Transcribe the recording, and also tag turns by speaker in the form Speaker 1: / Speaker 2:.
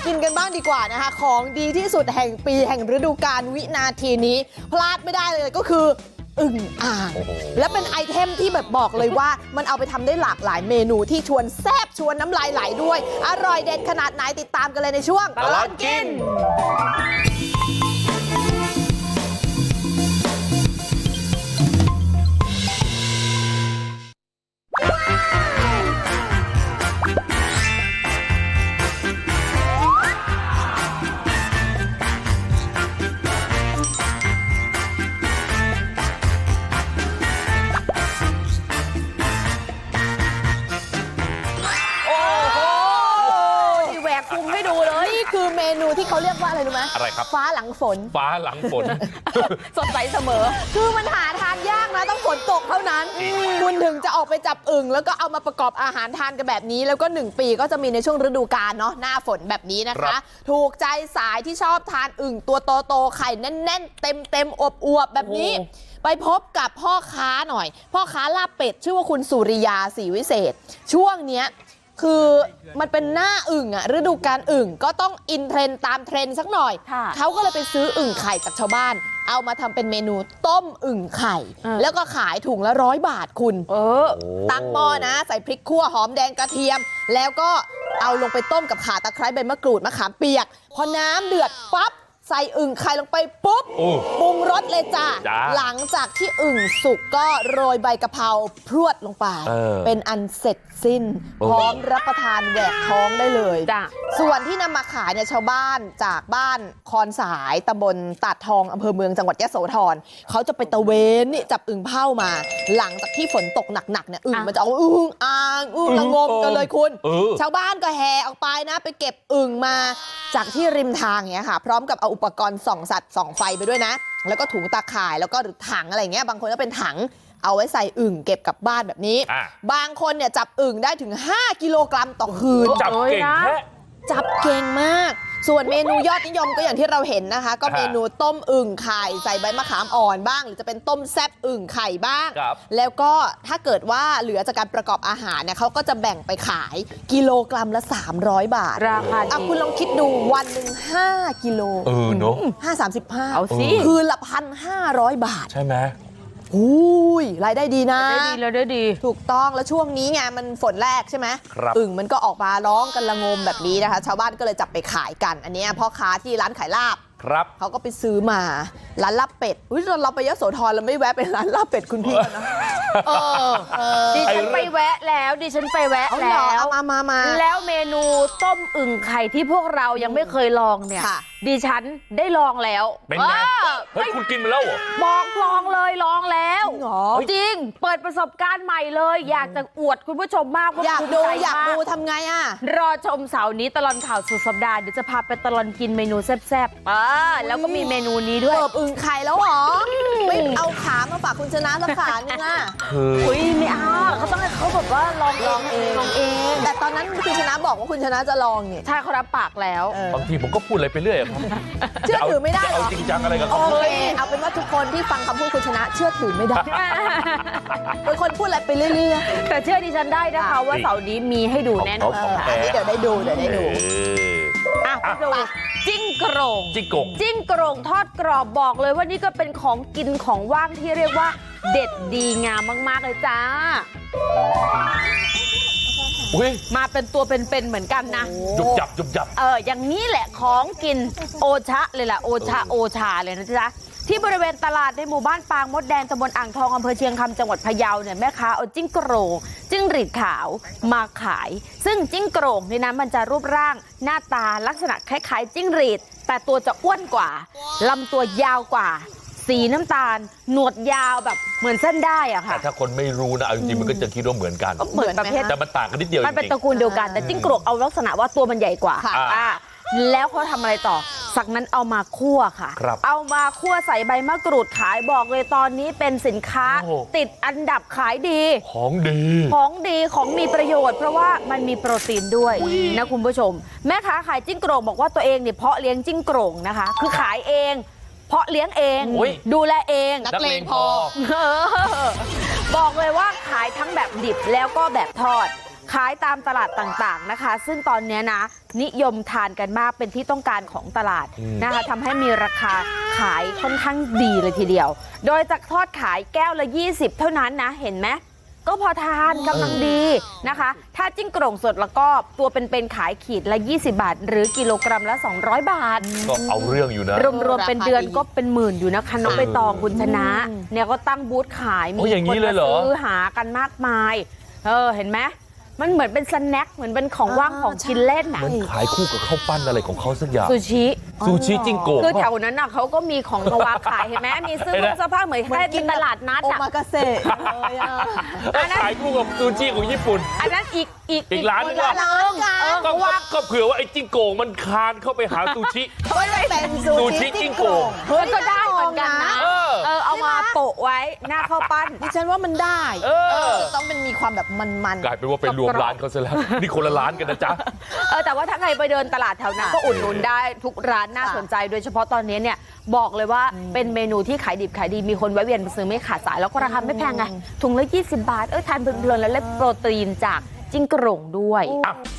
Speaker 1: กินกันบ้างดีกว่านะคะของดีที่สุดแห่งปีแห่งฤดูกาลวินาทีนี้พลาดไม่ได้เลยก็คืออึ่งอ่างและเป็นไอเทมที่แบบบอกเลยว่ามันเอาไปทำได้หลากหลายเมนูที่ชวนแซ่บชวนน้ำลายไหลด้วยอร่อยเด็ดขนาดไหนติดตามกันเลยในช่วงตลอดกินคือเมนูที่เขาเรียกว่าอะไรรู้ไหม
Speaker 2: อะไรครับ
Speaker 1: ฟ้าหลังฝน
Speaker 2: ฟ้าหลังฝน
Speaker 1: สดใสเสมอคือมันหาทานยากนะต้องฝนตกเท่านั้นคุณถึงจะออกไปจับอึ่งแล้วก็เอามาประกอบอาหารทานกันแบบนี้แล้วก็1 ปีก็จะมีในช่วงฤดูกาลเนาะหน้าฝนแบบนี้นะคะถูกใจสายที่ชอบทานอึ่งตัวโตๆไข่แน่นๆเต็มอวบๆแบบนี้ไปพบกับพ่อค้าหน่อยพ่อค้าลาบเป็ดชื่อว่าคุณสุริยาศรีวิเศษช่วงเนี้ยคือมันเป็นหน้าอึ่งอะฤดูกาลอึ่งก็ต้องอินเทรนตามเทรนสักหน่อยเขาก็เลยไปซื้ออึ่งไข่จากชาวบ้านเอามาทำเป็นเมนูต้มอึ่งไข่แล้วก็ขายถุงละ100 บาทคุณตั้งหม้อนะใส่พริกขั่วหอมแดงกระเทียมแล้วก็เอาลงไปต้มกับข่าตะไคร้ใบมะกรูดมะขามเปียกพอน้ำเดือดปั๊บใส่อึ่งไข่ลงไปปุ๊บปรุงรสเลยจ้าหลังจากที่อึ่งสุกก็โรยใบกะเพราพรวดลงไปเป็นอันเสร็จสิ้นพร้อมรับประทานแหวกท้องได้เลยส่วนที่นำมาขายเนี่ยชาวบ้านจากบ้านคอนสายตำบลตาดทองอำเภอเมืองจังหวัดยโสธรเขาจะไปตะเวนนี่จับอึ่งเผามาหลังจากที่ฝนตกหนักๆเนี่ยอึ่งมันจะเอาอึ่งอ่างอึ่งละงมกันเลยคุณชาวบ้านก็แห่ออกไปนะไปเก็บอึ่งมาจากที่ริมทางเนี่ยค่ะพร้อมกับเอาอุปกรณ์ส่องสัตว์ส่องไฟไปด้วยนะแล้วก็ถุงตาข่ายแล้วก็หรือถังอะไรเงี้ยบางคนก็เป็นถังเอาไว้ใส่อึ่งเก็บกลับบ้านแบบนี้บางคนเนี่ยจับอึ่งได้ถึง5 กิโลกรัมต่อคืน
Speaker 2: จับเก่งแท้
Speaker 1: จับเก่งมากส่วนเมนูยอดนิยมก็อย่างที่เราเห็นนะคะก็เมนูต้มอึ่งไข่ใส่ใบมะขามอ่อนบ้างหรือจะเป็นต้มแซ่บอึ่งไข่บ้างแล้วก็ถ้าเกิดว่าเหลือจากการประกอบอาหารเนี่ยเขาก็จะแบ่งไปขายกิโลกรัมละ300 บาท
Speaker 3: ราคา
Speaker 1: คุณลองคิดดูวันหนึ่ง5 กิโล
Speaker 2: เนาะ
Speaker 1: 5 35
Speaker 3: เอาสิ
Speaker 1: คืนละ1,500 บาท
Speaker 2: ใช่ไหม
Speaker 1: อุ้ยรายได้ดีนะ
Speaker 3: ได้ดี
Speaker 1: ถูกต้องแล้วช่วงนี้ไงมันฝนแรกใช่ไหมอึ่งมันก็ออกมาร้องกันละงมแบบนี้นะคะชาวบ้านก็เลยจับไปขายกันอันนี้พ่อค้าที่ร้านขายลาบเขาก็ไปซื้อมาร้านลาบเป็ดเราไปยโสธรเราไม่แวะไปร้านลาบเป็ดคุณพี่นะ
Speaker 3: ดิฉันไปแวะแล้ว
Speaker 1: มา
Speaker 3: แล้วเมนูต้มอึ่งไข่ที่พวกเรายังไม่เคยลองเนี่ยดิฉันได้ลองแล้ว
Speaker 2: เป็นไงเฮ้ยคุณกินมาแล้วเหรอ
Speaker 3: บอกลองแล้วจริงเปิดประสบการณ์ใหม่เลยอยากจะอวดคุณผู้ชมมากว่า
Speaker 1: อยากดูทำไง
Speaker 3: รอชมเสาร์นี้ตลอดข่าวสุดสัปดาห์เดี๋ยวจะพาไปตลอดกินเมนูแซ่บแล้วก็มีเมนูนี้ด้วย
Speaker 1: อึ่งไข่แล้วหรอไม่เอาขามาฝากคุณชนะสักขานึง
Speaker 3: อุ้ยไม่เอาเขาต้องให้เขาแบบว่าลองเอง
Speaker 1: แต่ตอนนั้นคุณชนะบอกว่าคุณชนะจะลองเนี่ย
Speaker 3: ใช่เขารับปากแล้ว
Speaker 2: บางทีผมก็พูดอะไรไปเรื่อยครับ
Speaker 1: เชื่อถือไม่ได้หรอ
Speaker 2: เอาจริงจังอะไรกับเขา
Speaker 1: เอาเป็นว่าทุกคนที่ฟังคำพูดคุณชนะเชื่อถือไม่ได้เป็นคนพูดอะไรไปเรื่อย
Speaker 3: ๆแต่เชื่อดิฉันได้นะคะว่าเสาร์นี้มีให้ดูแน่นอน
Speaker 1: เดี๋ยวได้ดู
Speaker 3: ดูจิ้งโกรงทอดกรอบบอกเลยว่านี่ก็เป็นของกินของว่างที่เรียกว่าเด็ดดีงามมากๆเลยจ้ามาเป็นตัวเป็นๆเหมือนกันนะ
Speaker 2: ยุบยับ
Speaker 3: อย่างนี้แหละของกินโอชะเลยล่ะโอชาเลยนะจ๊ะที่บริเวณตลาดในหมู่บ้านปางมดแดงตำบลอ่างทองอำเภอเชียงคำจังหวัดพะเยาเนี่ยแม่ค้าเอาจิ้งโกรงจิ้งหรีดขาวมาขายซึ่งจิ้งโกรงนี่นะมันจะรูปร่างหน้าตาลักษณะคล้ายๆจิ้งหรีดแต่ตัวจะอ้วนกว่าลำตัวยาวกว่าสีน้ำตาลหนวดยาวแบบเหมือนเส้นได้อะค่ะ
Speaker 2: แต่ถ้าคนไม่รู้นะจริงๆมันก็จะคิดว่าเหมือนกัน
Speaker 3: เหมือนประเภท
Speaker 2: แต่มันต่างกันนิดเดียว
Speaker 3: มันเป็นตระกูลเดียวกันแต่จิ้งโกรงเอาลักษณะว่าตัวมันใหญ่กว่าแล้วเขาทำอะไรต่อสักนั้นเอามาคั่วค่ะเอามาคั่วใส่ใบมะกรูดขายบอกเลยตอนนี้เป็นสินค้าติดอันดับขายดี
Speaker 2: ของ
Speaker 3: มีประโยชน์เพราะว่ามันมีโปรตีนด้วยนะคุณผู้ชมแม่ค้าขายจิ้งโกรงบอกว่าตัวเองเนี่ยเพาะเลี้ยงจิ้งโกรงนะคะคือขายเองเพาะเลี้ยงเองดูแลเอง
Speaker 1: นักเลงพอ
Speaker 3: บอกเลยว่าขายทั้งแบบดิบแล้วก็แบบทอดขายตามตลาดต่างๆนะคะ ซึ่งตอนนี้นะนิยมทานกันมากเป็นที่ต้องการของตลาดนะคะทำให้มีราคาขายค่อนข้างดีเลยทีเดียวโดยจะทอดขายแก้วละ20เท่านั้นนะเห็นไหมก็พอทานกำลังดีนะคะถ้าจิ้งโกร่งสดแล้วก็ตัวเป็นๆขายขีดละ20บาทหรือกิโลกรัมละ200บาท
Speaker 2: ก็เอาเรื่องอยู่นะ
Speaker 3: รวมๆเป็นเดือนก็เป็นหมื่นอยู่นะคะน้องใบตองคุณชนะเนี่ยก็ตั้งบูธขายมีคนมาซื้อหากันมากมายเห็นไหมมันเหมือนเป็นสแน็คเหมือนเป็นของว่างของกินเล่นน่ะ
Speaker 2: มันขายคู่กับข้าวปั้นอะไรของเขาสักอย่าง
Speaker 3: ซูชิ
Speaker 2: จิ้งโกะ
Speaker 3: คือแถวนั้นน่ะเขาก็มีของมาวางขายเห็นไหมมีเสื้อผ้าเหมือนแค่กินตลาดนัด
Speaker 1: โอมากาเสะเลยอ่ะ
Speaker 2: ขายคู่กับซูชิของญี่ปุ่น
Speaker 3: อันนั้นอีก
Speaker 2: ร้านนึงก็เผื่อว่าไอ้จิ้งโกะมันคานเข้าไปหาซูชิ
Speaker 1: เขาเป็นซูชิจิ้งโกะ
Speaker 3: มันก็ได้เหมือนกันนะเอามาโปะไว้หน้าข้าวปั้น
Speaker 1: ดิฉันว่ามันได้ต้องเป็นมีความแบบมัน
Speaker 2: กลายเป็นว่าเป็นรวมร้านเขาซะแล้วนี่คนละร้านกันนะจ๊ะ
Speaker 3: แต่ว่าถ้าใครไปเดินตลาดแถวนั้นก็อุดหนุนได้ทุกร้านน่าสนใจโดยเฉพาะตอนนี้เนี่ยบอกเลยว่าเป็นเมนูที่ขายดิบขายดีมีคนแวะเวียนไปซื้อไม่ขาดสายแล้วก็ราคาไม่แพงไงถุงละ20 บาททานเพลินๆแล้วได้โปรตีนจากจิ้งโกร่งด้วย